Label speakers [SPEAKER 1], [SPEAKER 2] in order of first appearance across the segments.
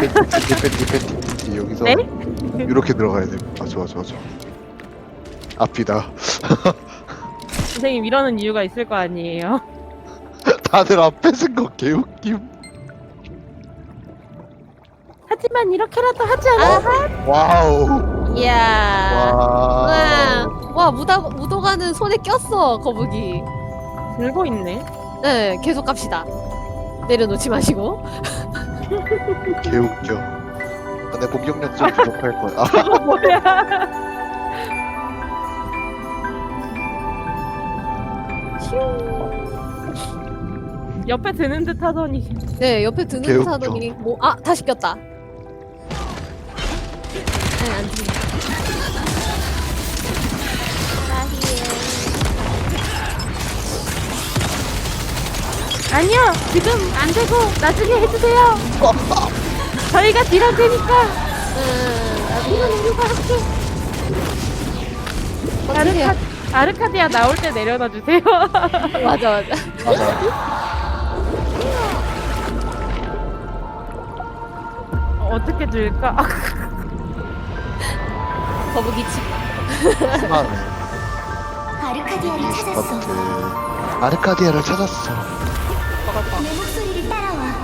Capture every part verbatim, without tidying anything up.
[SPEAKER 1] 팬티 팬티 팬티 팬티 여기서
[SPEAKER 2] 네?
[SPEAKER 1] 이렇게 들어가야 돼. 아 좋아 좋아 좋아. 앞이다.
[SPEAKER 2] 선생님 이러는 이유가 있을 거 아니에요.
[SPEAKER 1] 다들 앞에 쓴 거 개웃김.
[SPEAKER 2] 하지만 이렇게라도 하지 않아?
[SPEAKER 1] 와우.
[SPEAKER 3] 이야.
[SPEAKER 1] 와.
[SPEAKER 3] 와, 와 무다, 무도가는 손에 꼈어 거북이.
[SPEAKER 2] 들고 있네.
[SPEAKER 3] 네, 계속 갑시다. 내려놓지 마시고.
[SPEAKER 1] 개웃겨. 아, 내 공격력 좀 부족할 거야. 아,
[SPEAKER 2] 저거 뭐야? 옆에 드는 듯 하더니
[SPEAKER 3] 네, 옆에 드는 듯
[SPEAKER 1] 개웃겨.
[SPEAKER 3] 하더니 뭐, 아, 다시 꼈다. 네, 안 들린다.
[SPEAKER 2] 아니요 지금 안 되고 나중에 해주세요. 저희가 딜할 테니까
[SPEAKER 3] 음,
[SPEAKER 2] 이건 우리가 할게.
[SPEAKER 3] 어떻게 해요?
[SPEAKER 2] 아르카, 아르카디아 나올 때 내려놔 주세요.
[SPEAKER 3] 맞아, 맞아.
[SPEAKER 1] 맞아.
[SPEAKER 2] 어떻게 줄까?
[SPEAKER 3] 거북이 집.
[SPEAKER 1] 심하네.
[SPEAKER 4] 아르카디아를 찾았어.
[SPEAKER 1] 스타트. 아르카디아를 찾았어.
[SPEAKER 4] 내 목소리를 따라와.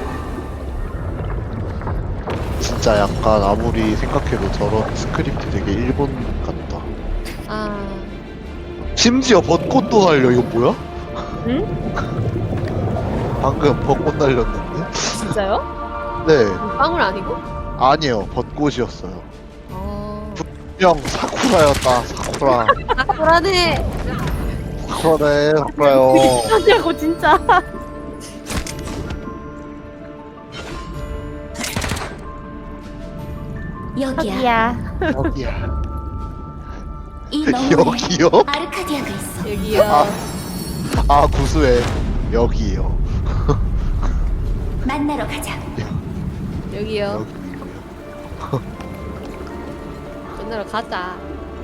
[SPEAKER 1] 진짜 약간 아무리 생각해도 저런 스크립트 되게 일본 같다.
[SPEAKER 3] 아,
[SPEAKER 1] 심지어 벚꽃도 날려. 이거 뭐야?
[SPEAKER 2] 응?
[SPEAKER 1] 방금 벚꽃 날렸는데?
[SPEAKER 3] 진짜요?
[SPEAKER 1] 네.
[SPEAKER 3] 빵울 아니고?
[SPEAKER 1] 아니요. 벚꽃이었어요.
[SPEAKER 3] 어.
[SPEAKER 1] 형 사쿠라였다. 사쿠라.
[SPEAKER 3] 아, 불안해.
[SPEAKER 1] 사쿠라네. 사쿠라요.
[SPEAKER 2] 하냐고 진짜.
[SPEAKER 4] 여기야.
[SPEAKER 1] 여기야.
[SPEAKER 4] 이 너머에
[SPEAKER 1] 여기요?
[SPEAKER 4] 아르카디아가 있어.
[SPEAKER 3] 여기요.
[SPEAKER 1] 아, 아 구수해. 여기요.
[SPEAKER 4] 만나러 가자.
[SPEAKER 3] 여기요.
[SPEAKER 1] 여기.
[SPEAKER 3] 만나러 가자.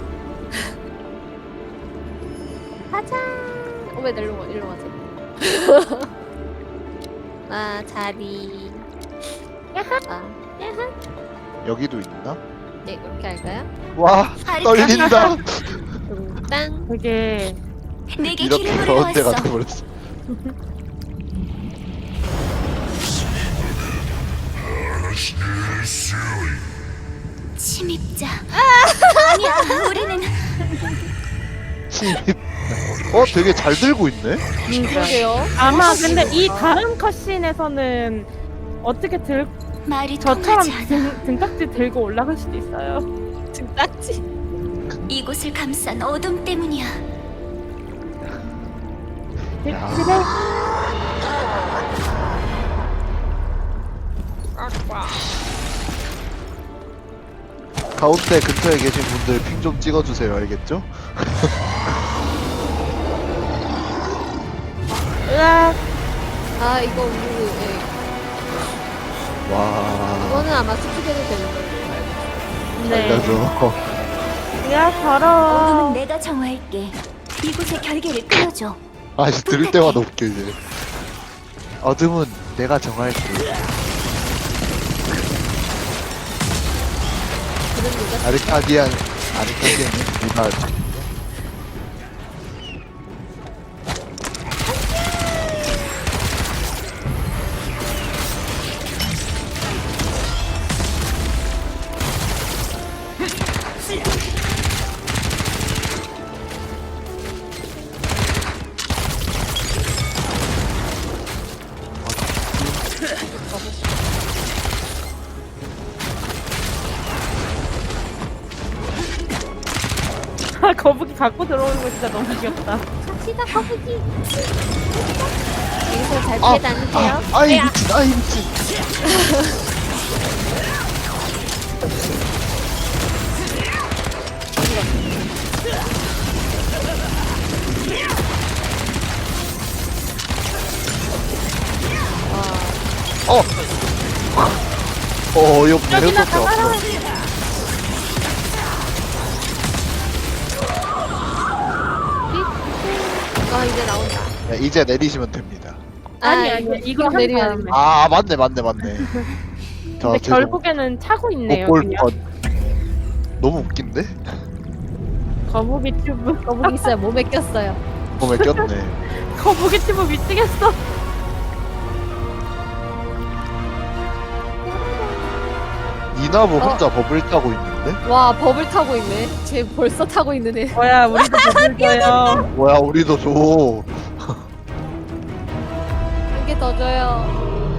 [SPEAKER 3] 가자. 어, 왜 일로 와, 일로 가자. 아, 자리. 야하. 아, 야하.
[SPEAKER 1] 여기도 있나?
[SPEAKER 3] 네, 그렇게 할까요?
[SPEAKER 1] 와 떨린다.
[SPEAKER 3] 땅.
[SPEAKER 2] 되게
[SPEAKER 4] 내게
[SPEAKER 1] 이렇게
[SPEAKER 4] 기름을
[SPEAKER 1] 가운데
[SPEAKER 4] 넣었어.
[SPEAKER 1] 가돼 버렸어.
[SPEAKER 4] 침입자. 아니야, 우리는
[SPEAKER 1] 침입. 어 되게 잘 들고 있네.
[SPEAKER 3] 그러게요.
[SPEAKER 2] 아마 근데 이 다음 컷신에서는 어떻게 들
[SPEAKER 4] 말이
[SPEAKER 2] 저처럼
[SPEAKER 4] 통하지 않아.
[SPEAKER 2] 등, 등딱지 들고 올라갈 수도 있어요.
[SPEAKER 3] 등딱지.
[SPEAKER 4] 이곳을 감싼 어둠 때문이야.
[SPEAKER 2] 그-
[SPEAKER 1] 야.
[SPEAKER 2] 그래.
[SPEAKER 1] 가운데 근처에 계신 분들 핑 좀 찍어주세요. 알겠죠?
[SPEAKER 2] 으악.
[SPEAKER 3] 아, 이거 우리, 예.
[SPEAKER 1] 와.
[SPEAKER 3] 이거는 아마 스킵해도 되는 걸로
[SPEAKER 2] 네.
[SPEAKER 1] 알려줘.
[SPEAKER 2] 야
[SPEAKER 4] 어둠은
[SPEAKER 2] 더러워.
[SPEAKER 4] 내가 정화할게. 이곳의 결계를 끊어줘.
[SPEAKER 1] 아씨 들을 때마다 웃겨 이제. 어둠은 내가 정할게.
[SPEAKER 3] 그런 얘기가
[SPEAKER 1] 아르카디안 아르카디안은 누가?
[SPEAKER 2] 아, 거북이 갖고 들어오는 거 진짜 너무 귀엽다.
[SPEAKER 3] 갑시다, 거북이. 여기서 잘
[SPEAKER 1] 아,
[SPEAKER 3] 피해 다니세요.
[SPEAKER 1] 아, 아이 미친, 아이 미친. 어. 어, 어이없네.
[SPEAKER 2] 여기나
[SPEAKER 1] 해볼 게 없어.
[SPEAKER 2] 가봐라.
[SPEAKER 3] 아, 이제 나온다.
[SPEAKER 1] 네, 이제 내리시면 됩니다.
[SPEAKER 2] 아니,
[SPEAKER 3] 아,
[SPEAKER 2] 아니,
[SPEAKER 3] 이거,
[SPEAKER 2] 이거 한
[SPEAKER 3] 내리면
[SPEAKER 2] 다음에.
[SPEAKER 1] 아, 맞네, 맞네, 맞네. 자,
[SPEAKER 2] 근데
[SPEAKER 1] 제가
[SPEAKER 2] 결국에는 차고 있네요.
[SPEAKER 1] 볼
[SPEAKER 2] 그냥.
[SPEAKER 1] 것. 너무 웃긴데?
[SPEAKER 2] 거북이 튜브.
[SPEAKER 3] 거북이 있어요. 몸에 꼈어요.
[SPEAKER 1] 몸에 꼈네.
[SPEAKER 2] 거북이 튜브 미치겠어.
[SPEAKER 1] 이나부
[SPEAKER 3] 어.
[SPEAKER 1] 혼자 버블 타고 있는데?
[SPEAKER 3] 와 버블 타고 있네. 쟤 벌써 타고 있는 애.
[SPEAKER 2] 뭐야, 우리도 버블 줘요.
[SPEAKER 1] 뭐야, 우리도 줘.
[SPEAKER 3] 한 개 더 줘요.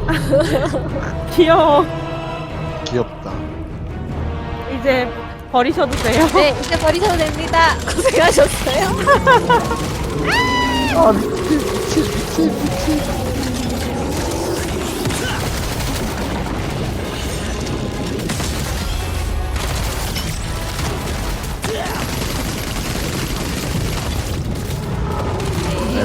[SPEAKER 2] 귀여워.
[SPEAKER 1] 귀엽다.
[SPEAKER 2] 이제 버리셔도 돼요.
[SPEAKER 3] 네 이제 버리셔도 됩니다. 고생하셨어요.
[SPEAKER 1] 아, 미친, 미친, 미친, 미친. 네.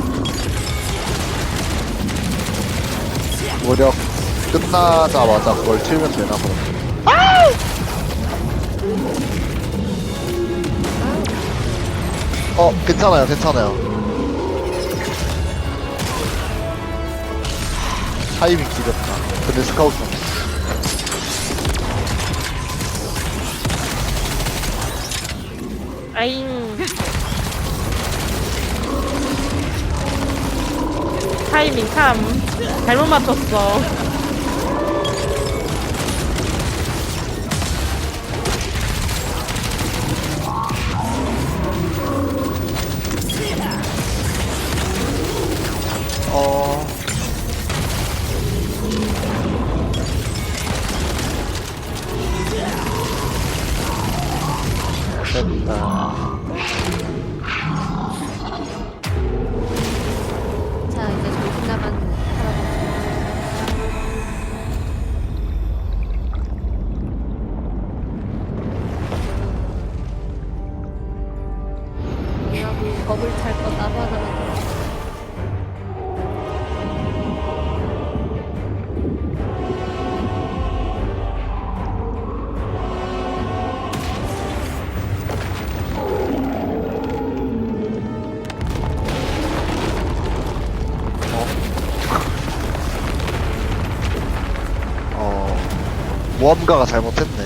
[SPEAKER 1] 무력 끝나자마자 그걸 치면 되나 그럼. 어, 괜찮아요, 괜찮아요. 타이밍 길었다. 근데 스카우트.
[SPEAKER 2] 아잉. 타이밍 참 잘못 맞췄어.
[SPEAKER 1] 어. 됐다.
[SPEAKER 3] 자 이제 정신 나간 할아버지. 이나부 버블 탈 거 나도 하나만 더.
[SPEAKER 1] 어. 모험가가 잘못했네.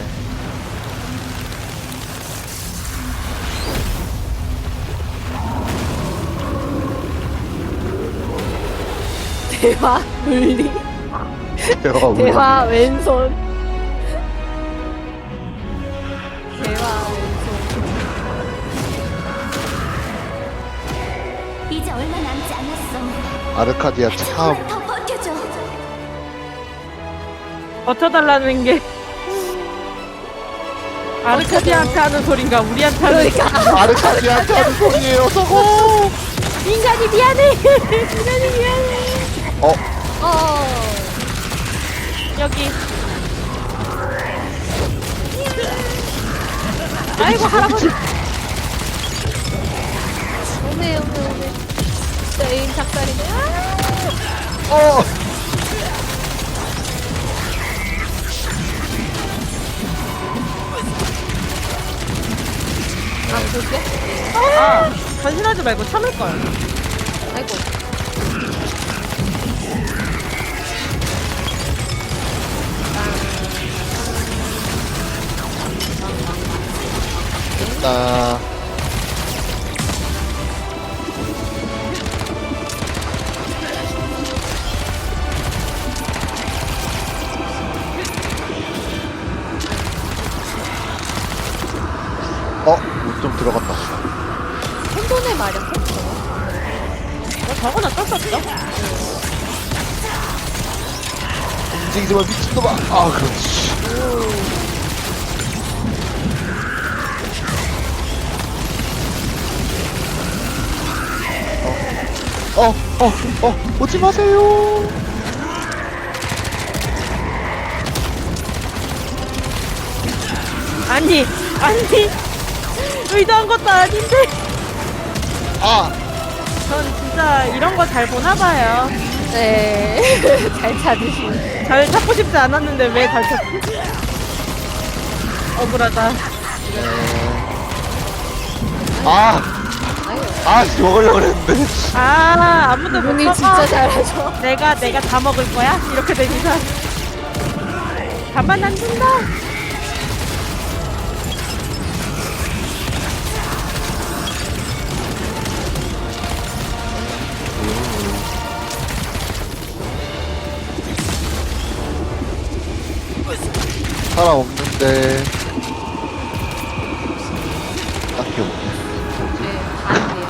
[SPEAKER 3] 대화 물리.
[SPEAKER 1] 대화 울리.
[SPEAKER 3] 대화 왼손. 대화 왼손.
[SPEAKER 4] 이제 얼마 남지 않았어.
[SPEAKER 1] 아르카디아 참.
[SPEAKER 4] 조금만 더 버텨줘.
[SPEAKER 2] 버텨달라는 게 아르카디한테 하는 소린가 우리한테 하는
[SPEAKER 3] 그러니까
[SPEAKER 1] 아르카디아한테 하는 소리예요, 저거.
[SPEAKER 2] 인간이 미안해. 인간이 미안해.
[SPEAKER 1] 어,
[SPEAKER 3] 어.
[SPEAKER 2] 여기. 아이고 할아버지.
[SPEAKER 3] 오네 오네 오네. 진짜 에임 작살이네. 아!
[SPEAKER 1] 어.
[SPEAKER 3] 아 볼게.
[SPEAKER 2] 아, 전신하지 말고 참을 걸.
[SPEAKER 3] 아이고.
[SPEAKER 1] 됐다. 어, 좀 들어갔다.
[SPEAKER 3] 혼돈의 마력 했어.
[SPEAKER 2] 뭐 저건 어쩔 수 없죠.
[SPEAKER 1] 움직이지 마, 미친놈아. 아, 그렇지. 어, 어, 어, 오지 마세요.
[SPEAKER 2] 아니, 아니. 의도한 것도 아닌데.
[SPEAKER 1] 아,
[SPEAKER 2] 전 진짜 이런 거 잘 보나 봐요.
[SPEAKER 3] 네. 잘 찾으시네.
[SPEAKER 2] 잘 찾고 싶지 않았는데 왜 잘 찾지? 억울하다.
[SPEAKER 1] 아,
[SPEAKER 3] 아유.
[SPEAKER 1] 아, 씨, 먹으려고 그랬는데.
[SPEAKER 2] 아, 아무도 못
[SPEAKER 3] 눈이
[SPEAKER 2] 먹어.
[SPEAKER 3] 진짜 잘하죠.
[SPEAKER 2] 내가 내가 다 먹을 거야? 이렇게 되니까 가만 안 둔다.
[SPEAKER 1] 사람 없는데 딱히 없네.
[SPEAKER 3] 네, 다행이에요.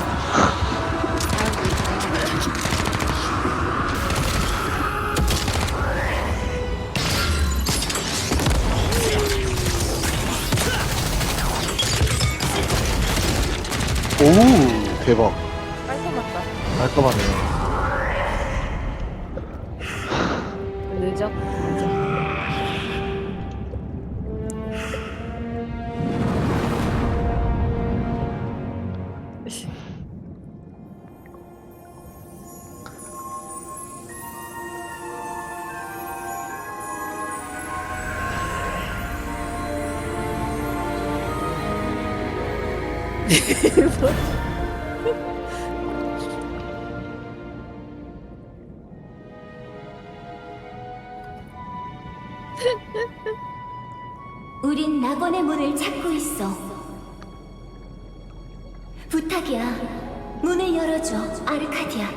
[SPEAKER 1] 오 대박.
[SPEAKER 2] 깔끔하다.
[SPEAKER 1] 깔끔하네요.
[SPEAKER 3] 늦어? 늦어.
[SPEAKER 4] 우린 낙원의 문을 찾고 있어. 부탁이야. 문을 열어줘, 아르카디아.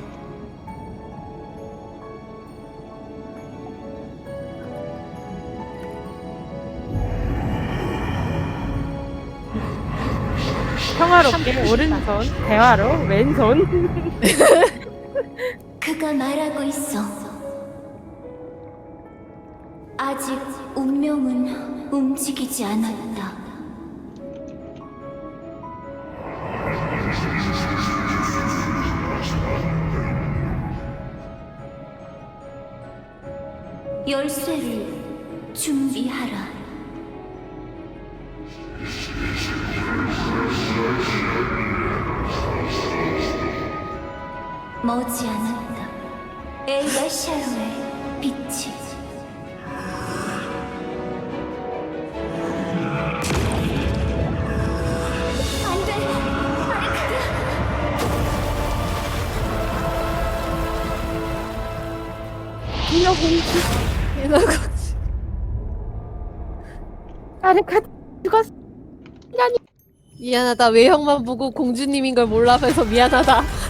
[SPEAKER 2] 평화롭게 오른손, 대화로 왼손.
[SPEAKER 4] 그가 말하고 있어. 아직 운명은 움직이지 않았다. 열쇠를 준비하라. 머지않았다. 엘가 샤로의 빛이. 안돼, 아르카디아.
[SPEAKER 3] 인어공주.
[SPEAKER 2] 아르카 죽었어.
[SPEAKER 3] 미안하다. 외형만 보고 공주님인 걸 몰라서 미안하다.